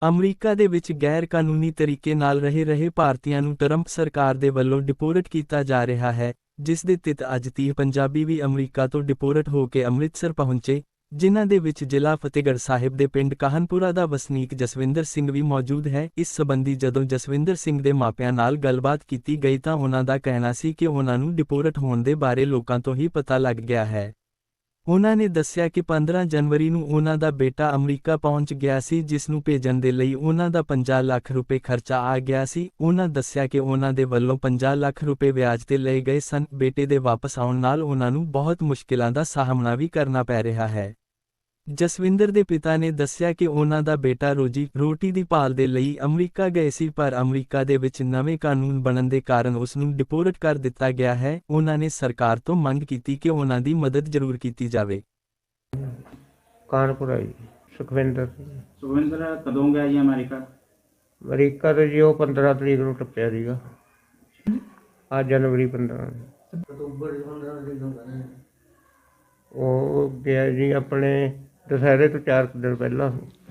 America ਦੇ ਵਿੱਚ ਗੈਰ ਕਾਨੂੰਨੀ ਤਰੀਕੇ ਨਾਲ ਰਹੇ ਭਾਰਤੀਆਂ ਨੂੰ ਟਰੰਪ ਸਰਕਾਰ ਦੇ ਵੱਲੋਂ ਡਿਪੋਰਟ ਕੀਤਾ ਜਾ ਰਿਹਾ ਹੈ, ਜਿਸ ਦੇ ਤਹਿਤ ਅੱਜ 30 ਪੰਜਾਬੀ ਵੀ ਅਮਰੀਕਾ ਤੋਂ ਡਿਪੋਰਟ ਹੋ ਕੇ ਅੰਮ੍ਰਿਤਸਰ ਪਹੁੰਚੇ, ਜਿਨ੍ਹਾਂ ਦੇ ਵਿੱਚ ਜ਼ਿਲ੍ਹਾ ਫਤਿਹਗੜ੍ਹ ਸਾਹਿਬ ਦੇ ਪਿੰਡ ਕਾਹਨਪੁਰਾ ਦਾ ਵਸਨੀਕ ਜਸਵਿੰਦਰ ਸਿੰਘ ਵੀ ਮੌਜੂਦ ਹੈ। ਇਸ ਸਬੰਧੀ ਜਦੋਂ ਜਸਵਿੰਦਰ ਸਿੰਘ ਦੇ ਮਾਪਿਆਂ ਨਾਲ ਗੱਲਬਾਤ ਕੀਤੀ ਗਈ ਤਾਂ ਉਹਨਾਂ ਦਾ ਕਹਿਣਾ ਸੀ ਕਿ ਉਹਨਾਂ ਨੂੰ ਡਿਪੋਰਟ ਹੋਣ ਦੇ ਬਾਰੇ ਲੋਕਾਂ ਤੋਂ ਹੀ ਪਤਾ ਲੱਗ ਗਿਆ ਹੈ। ਉਹਨਾਂ ਨੇ ਦੱਸਿਆ ਕਿ 15 ਜਨਵਰੀ ਨੂੰ ਉਹਨਾਂ ਦਾ ਬੇਟਾ ਅਮਰੀਕਾ ਪਹੁੰਚ ਗਿਆ ਸੀ, ਜਿਸ ਨੂੰ ਭੇਜਣ ਦੇ ਲਈ ਉਹਨਾਂ ਦਾ 50 ਲੱਖ ਰੁਪਏ ਖਰਚਾ ਆ ਗਿਆ ਸੀ। ਉਹਨਾਂ ਦੱਸਿਆ ਕਿ ਉਹਨਾਂ ਦੇ ਵੱਲੋਂ 50 ਲੱਖ ਰੁਪਏ ਵਿਆਜ ਤੇ ਲਏ ਗਏ ਸਨ। ਬੇਟੇ ਦੇ ਵਾਪਸ ਆਉਣ ਨਾਲ ਉਹਨਾਂ ਨੂੰ ਬਹੁਤ ਮੁਸ਼ਕਿਲਾਂ ਦਾ ਸਾਹਮਣਾ ਵੀ ਕਰਨਾ ਪੈ ਰਿਹਾ ਹੈ। ਜਸਵਿੰਦਰ ਦੇ ਪਿਤਾ ਨੇ ਦੱਸਿਆ ਕਿ ਉਹਨਾਂ ਦਾ ਬੇਟਾ ਰੋਟੀ ਦੀ ਭਾਲ ਦੇ ਲਈ ਅਮਰੀਕਾ ਗਏ ਸੀ, ਪਰ ਅਮਰੀਕਾ ਦੇ ਵਿੱਚ ਨਵੇਂ ਕਾਨੂੰਨ ਬਣਨ ਦੇ ਕਾਰਨ ਉਸ ਨੂੰ ਡਿਪੋਰਟ ਕਰ ਦਿੱਤਾ ਗਿਆ ਹੈ। ਉਹਨਾਂ ਨੇ ਸਰਕਾਰ ਤੋਂ ਮੰਗ ਕੀਤੀ ਕਿ ਉਹਨਾਂ ਦੀ ਮਦਦ ਜ਼ਰੂਰ ਕੀਤੀ ਜਾਵੇ। ਕਾਨਪੁਰਾ ਜੀ, ਸੁਖਵਿੰਦਰ ਕਦੋਂ ਗਿਆ ਜੀ ਅਮਰੀਕਾ? ਅਮਰੀਕਾ ਤੋਂ ਜੀ ਉਹ 15 ਤਰੀਕ ਨੂੰ ਟੱਪਿਆ ਸੀਗਾ। ਅੱਜ ਜਨਵਰੀ 15 ਉਹ ਗਿਆ ਜੀ ਆਪਣੇ ਦੁਸਹਿਰੇ ਤੋਂ 4 ਦਿਨ ਪਹਿਲਾਂ।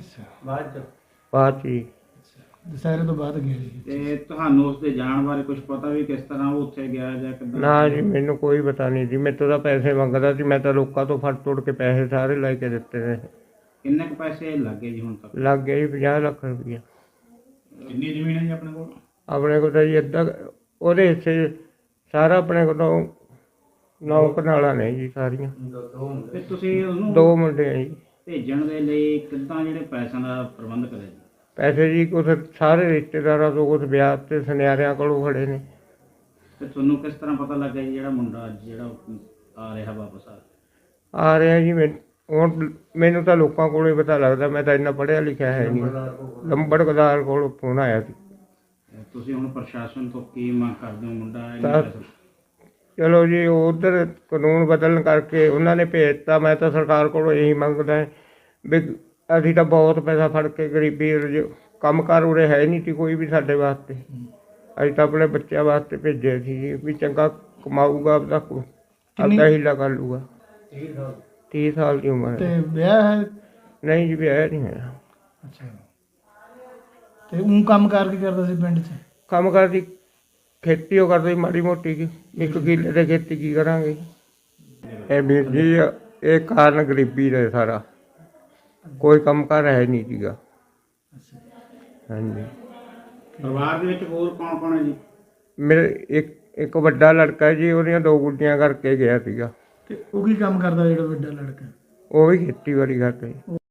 ਬਾਅਦ ਜੀ ਦੁਸਹਿਰੇ ਤੋਂ ਬਾਅਦ ਗਿਆ ਜੀ। ਤੇ ਤੁਹਾਨੂੰ ਉਸ ਦੇ ਜਾਣ ਬਾਰੇ ਕੁਝ ਪਤਾ ਵੀ ਕਿਸ ਤਰ੍ਹਾਂ ਉਹ ਉੱਥੇ ਗਿਆ ਜਾਂ ਕਿੱਦਾਂ? ਨਾ ਜੀ, ਮੈਨੂੰ ਕੋਈ ਪਤਾ ਨਹੀਂ ਜੀ। ਮੇਰੇ ਤੋਂ ਤਾਂ ਪੈਸੇ ਮੰਗਦਾ ਸੀ, ਮੈਂ ਤਾਂ ਲੋਕਾਂ ਤੋਂ ਫੜ ਤੋੜ ਕੇ ਪੈਸੇ ਸਾਰੇ ਲੈ ਕੇ ਦਿੱਤੇ ਨੇ। ਕਿੰਨੇ ਕੁ ਪੈਸੇ ਲੱਗੇ ਜੀ ਹੁਣ ਤੱਕ? ਲੱਗ ਗਿਆ ਜੀ 50 ਲੱਖ ਰੁਪਈਆ। ਕਿੰਨੀ ਜ਼ਮੀਨ ਹੈ ਜੀ ਆਪਣੇ ਕੋਲ? ਆਪਣੇ ਕੋਲ ਤਾਂ ਜੀ ਅੱਧਾ ਉਹਦੇ ਹਿੱਸੇ ਸਾਰਾ ਆਪਣੇ ਕੋਲੋਂ 9 ਕਨਾਲਾਂ ਨੇ ਜੀ ਸਾਰੀਆਂ। ਤੇ ਤੁਸੀਂ ਉਹਨੂੰ 2 ਮੁੰਡੇ ਆ ਜੀ। ਭੇਜਣ ਦੇ ਲਈ ਕਿੱਦਾਂ ਜਿਹੜੇ ਪੈਸਿਆਂ ਦਾ ਪ੍ਰਬੰਧ ਕਰਿਆ ਜੀ? ਪੈਸੇ ਜੀ ਕੁਛ ਸਾਰੇ ਰਿਸ਼ਤੇਦਾਰਾਂ ਤੋਂ, ਕੁਛ ਵਿਆਹ ਤੇ ਸੁਨਿਆਰਿਆਂ ਕੋਲੋਂ ਖੜੇ ਨੇ। ਤੇ ਤੁਹਾਨੂੰ ਕਿਸ ਤਰ੍ਹਾਂ ਪਤਾ ਲੱਗਾ ਜੀ ਜਿਹੜਾ ਮੁੰਡਾ ਅੱਜ ਜਿਹੜਾ ਆ ਰਿਹਾ ਵਾਪਸ ਆ ਰਿਹਾ ਜੀ? ਹੁਣ ਮੈਨੂੰ ਤਾਂ ਲੋਕਾਂ ਕੋਲੋਂ ਹੀ ਪਤਾ ਲੱਗਦਾ, ਮੈਂ ਤਾਂ ਇੰਨਾ ਪੜ੍ਹਿਆ ਲਿਖਿਆ ਹੈ ਨਹੀਂ। ਲੰਬੜਦਾਰ ਕੋਲੋਂ ਫੋਨ ਆਇਆ ਸੀ। ਤੁਸੀਂ ਹੁਣ ਪ੍ਰਸ਼ਾਸਨ ਤੋਂ ਕੀ ਮੰਗ ਕਰਦੇ ਹੋ? ਮੁੰਡਾ ਤਾਂ ਚਲੋ ਜੀ, ਉਧਰ ਕਾਨੂੰਨ ਬਦਲਣ ਕਰਕੇ ਉਹਨਾਂ ਨੇ ਭੇਜਤਾ। ਮੈਂ ਤਾਂ ਸਰਕਾਰ ਕੋਲੋਂ ਇਹੀ ਮੰਗਦਾ ਵੀ ਅਸੀਂ ਤਾਂ ਬਹੁਤ ਪੈਸਾ ਫੜ ਕੇ ਗਰੀਬੀ ਕੰਮ ਕਾਰ ਉਰੇ ਹੈ ਨਹੀਂ ਸੀ ਕੋਈ ਵੀ ਸਾਡੇ ਵਾਸਤੇ। ਅਸੀਂ ਤਾਂ ਆਪਣੇ ਬੱਚਿਆਂ ਵਾਸਤੇ ਭੇਜਿਆ ਸੀ ਜੀ, ਵੀ ਚੰਗਾ ਕਮਾਊਗਾ, ਆਪਦਾ ਹੀਲਾ ਕਰ ਲੂਗਾ। 30 ਸਾਲ ਦੀ ਉਮਰ ਤੇ ਹੈ। ਵਿਆਹ ਹੈ? ਨਹੀਂ ਜੀ, ਵਿਆਹ ਨਹੀਂ ਹੋਇਆ। ਅੱਛਾ। ਤੇ ਉਹ ਕੰਮ ਕਾਰ ਕੀ ਕਰਦਾ ਸੀ ਪਿੰਡ 'ਚ? ਕੰਮ ਕਰਦੀ ਖੇਤੀ ਉਹ ਕਰਦੇ ਮਾੜੀ ਮੋਟੀ ਕੀ, 1 ਕਿੱਲੇ ਦੇ ਖੇਤੀ ਕੀ ਕਰਾਂਗੇ। ਇਹ ਵੀਰ ਜੀ, ਇਹ ਕਾਰਨ ਗਰੀਬੀ ਦਾ ਸਾਰਾ, ਕੋਈ ਕੰਮ ਕਾਰ ਹੈ ਨਹੀਂ ਸੀਗਾ। ਹਾਂਜੀ। ਪਰਿਵਾਰ ਦੇ ਵਿੱਚ ਹੋਰ ਕੌਣ ਕੌਣ ਹੈ ਜੀ? ਮੇਰੇ ਇੱਕ ਵੱਡਾ ਲੜਕਾ ਜੀ, ਉਹਦੀਆਂ 2 ਗੁੱਡੀਆਂ ਕਰਕੇ ਗਿਆ ਸੀਗਾ। ਤੇ ਉਹ ਕੀ ਕੰਮ ਕਰਦਾ ਜਿਹੜਾ ਵੱਡਾ ਲੜਕਾ? ਉਹ ਵੀ ਖੇਤੀਬਾੜੀ ਕਰਦਾ ਜੀ।